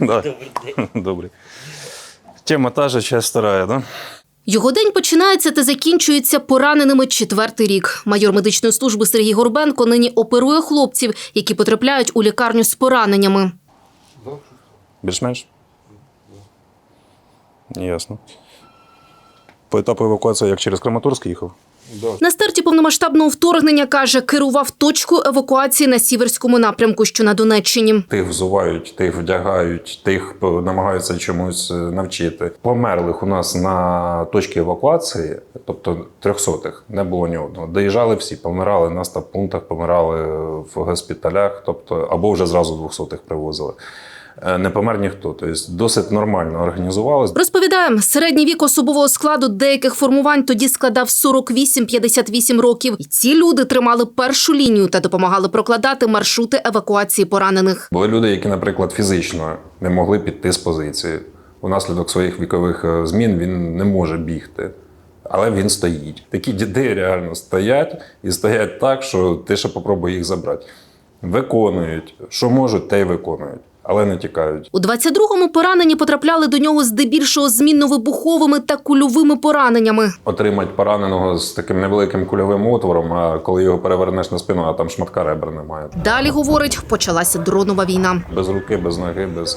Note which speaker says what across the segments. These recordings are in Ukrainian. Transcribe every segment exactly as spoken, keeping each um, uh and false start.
Speaker 1: Добрий день. Добрий. Тема та же, часть вторая, да?
Speaker 2: Його день починається та закінчується пораненими четвертий рік. Майор медичної служби Сергій Горбенко нині оперує хлопців, які потрапляють у лікарню з пораненнями.
Speaker 1: Більш-менш? Ясно. По етапу евакуації як через Краматорськ їхав?
Speaker 2: На старті повномасштабного вторгнення, каже, керував точкою евакуації на Сіверському напрямку, що на Донеччині.
Speaker 1: Тих взувають, тих вдягають, тих намагаються чомусь навчити. Померлих у нас на точці евакуації, тобто трьохсотих, не було ні одного. Доїжджали всі, помирали на стаб-пунктах, помирали в госпіталях, тобто або вже зразу двохсотих привозили. Не помер ніхто, тобто досить нормально організувалось.
Speaker 2: Розповідаємо, середній вік особового складу деяких формувань тоді складав сорок вісім - п'ятдесят вісім років. І ці люди тримали першу лінію та допомагали прокладати маршрути евакуації поранених.
Speaker 1: Були люди, які, наприклад, фізично не могли піти з позиції. Унаслідок своїх вікових змін він не може бігти, але він стоїть. Такі діди реально стоять і стоять так, що ти ще попробуй їх забрати. Виконують, що можуть, те й виконують. Але не тікають.
Speaker 2: У двадцять другому поранені потрапляли до нього здебільшого змінно-вибуховими та кульовими пораненнями.
Speaker 1: Отримати пораненого з таким невеликим кульовим отвором, а коли його перевернеш на спину, а там шматка ребер немає.
Speaker 2: Далі, говорить, почалася дронова війна.
Speaker 1: Без руки, без ноги, без,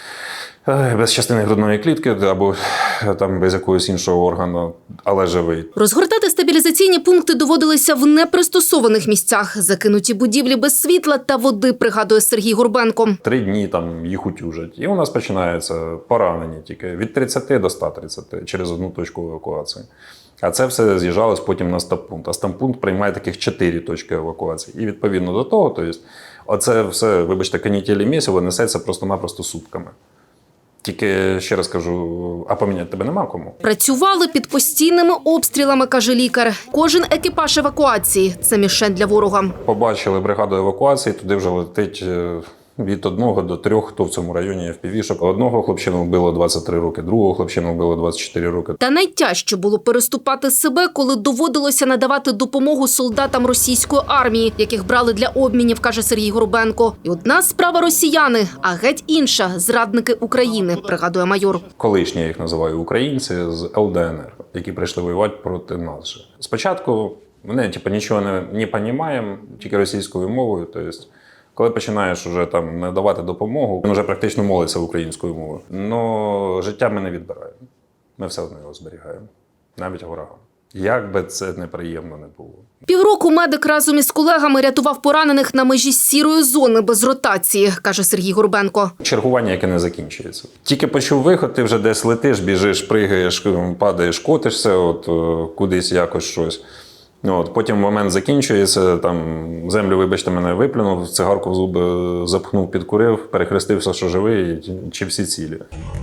Speaker 1: без частини грудної клітки або там без якогось іншого органу, але живий.
Speaker 2: Розгортати стабілізаційні пункти доводилися в непристосованих місцях. Закинуті будівлі без світла та води, пригадує Сергій Горбенко.
Speaker 1: Три дні там їх утюжать. І у нас починається поранення тільки від тридцяти до ста тридцяти через одну точку евакуації. А це все з'їжджалось потім на стаб-пункт. А стаб-пункт приймає таких чотири точки евакуації. І відповідно до того, тобто, оце все, вибачте, канітелі місяво несеться просто-напросто сутками. Тільки, ще раз кажу, а поміняти тебе нема кому.
Speaker 2: Працювали під постійними обстрілами, каже лікар. Кожен екіпаж евакуації – це мішень для ворога.
Speaker 1: Побачили бригаду евакуації, туди вже летить від одного до трьох, хто в цьому районі є впівішок. Одного хлопчину вбило двадцять три роки, другого хлопчину вбило двадцять чотири роки.
Speaker 2: Та найтяжче було переступати себе, коли доводилося надавати допомогу солдатам російської армії, яких брали для обмінів, каже Сергій Горбенко. І одна справа росіяни, а геть інша – зрадники України, пригадує майор.
Speaker 1: Колишні, я їх називаю, українці з ел де ен ер, які прийшли воювати проти нас же. Спочатку вони типу, нічого не, не розуміємо, тільки російською мовою, тобто коли починаєш вже там надавати допомогу, він вже практично молиться українською мовою. Но життя ми не відбираємо. Ми все одно його зберігаємо. Навіть ворогам. Як би це неприємно не було.
Speaker 2: Півроку медик разом із колегами рятував поранених на межі сірої зони без ротації, каже Сергій Горбенко.
Speaker 1: Чергування, яке не закінчується. Тільки почув виход, ти вже десь летиш, біжиш, пригаєш, падаєш, котишся, от кудись якось щось. От, потім момент закінчується, там землю, вибачте, мене виплюнув, цигарку в зуби запхнув, підкурив, перехрестився, що живий, чи всі цілі.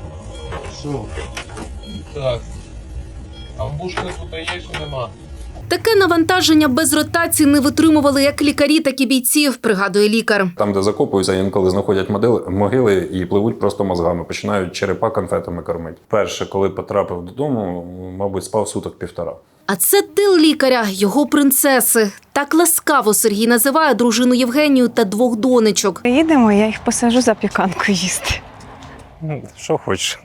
Speaker 3: Що? Так. А в бушку тут є, чи нема?
Speaker 2: Таке навантаження без ротації не витримували як лікарі, так і бійці, пригадує лікар.
Speaker 1: Там, де закопуються, інколи знаходять могили, могили і пливуть просто мозгами, починають черепа конфетами кормити. Перше, коли потрапив додому, мабуть, спав суток півтора.
Speaker 2: А це тил лікаря, його принцеси. Так ласкаво Сергій називає дружину Євгенію та двох донечок.
Speaker 4: Приїдемо, я їх посажу запіканку їсти.
Speaker 1: Що хочеш.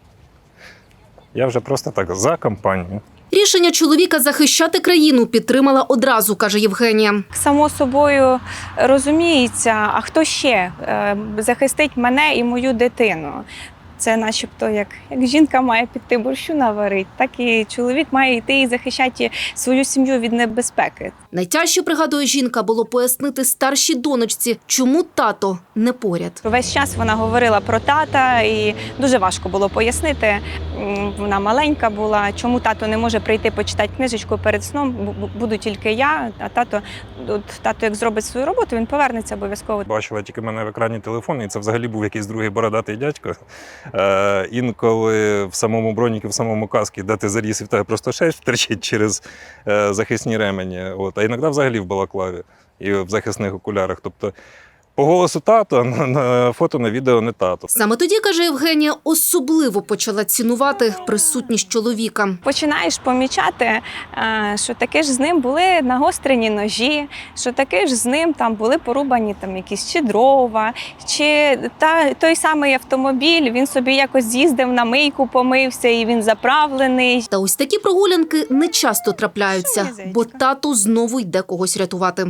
Speaker 1: Я вже просто так за компанію.
Speaker 2: Рішення чоловіка захищати країну підтримала одразу, каже Євгенія.
Speaker 4: Само собою розуміється, а хто ще е, захистить мене і мою дитину. Це начебто, як, як жінка має піти борщу наварити, так і чоловік має йти і захищати свою сім'ю від небезпеки.
Speaker 2: Найтяжче, пригадує жінка, було пояснити старшій донечці, чому тато не поряд.
Speaker 4: Весь час вона говорила про тата, і дуже важко було пояснити. Вона маленька була, чому тато не може прийти почитати книжечку перед сном, буду тільки я, а тато, от, тато як зробить свою роботу, він повернеться обов'язково.
Speaker 1: Бачила тільки мене в екрані телефон, і це взагалі був якийсь другий бородатий дядько. Е, інколи в самому броніку, в самому каскі, де ти заріс, і в тебе просто шерсть втерчить через е, захисні ремені. От. А іноді взагалі в балаклаві і в захисних окулярах. Тобто
Speaker 5: По голосу тато, а на, на фото, на відео не тато.
Speaker 2: Саме тоді, каже Євгенія, особливо почала цінувати присутність чоловіка.
Speaker 4: Починаєш помічати, е, що таки ж з ним були нагострені ножі, що таки ж з ним там були порубані там якісь чи дрова, чи та, той самий автомобіль, він собі якось з'їздив на мийку, помився і він заправлений.
Speaker 2: Та ось такі прогулянки не часто трапляються, бо тато знову йде когось рятувати.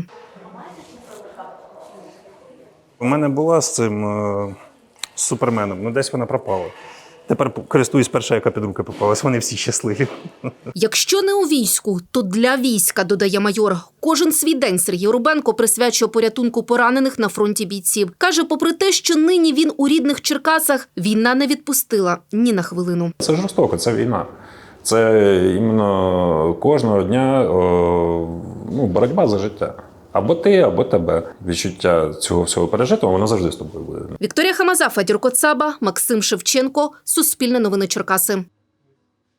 Speaker 5: У мене була з цим е, з суперменом, ну десь вона пропала. Тепер користуюсь перша, яка під руки попалась. Вони всі щасливі.
Speaker 2: Якщо не у війську, то для війська, додає майор. Кожен свій день Сергій Рубенко присвячує порятунку поранених на фронті бійців. Каже, попри те, що нині він у рідних Черкасах, війна не відпустила ні на хвилину.
Speaker 1: Це жорстоко, це війна. Це іменно кожного дня о, ну, боротьба за життя. Або ти, або тебе. Відчуття цього всього пережитого, воно завжди з тобою буде.
Speaker 2: Вікторія Хамаза, Федір Коцаба, Максим Шевченко, Суспільне новини Черкаси.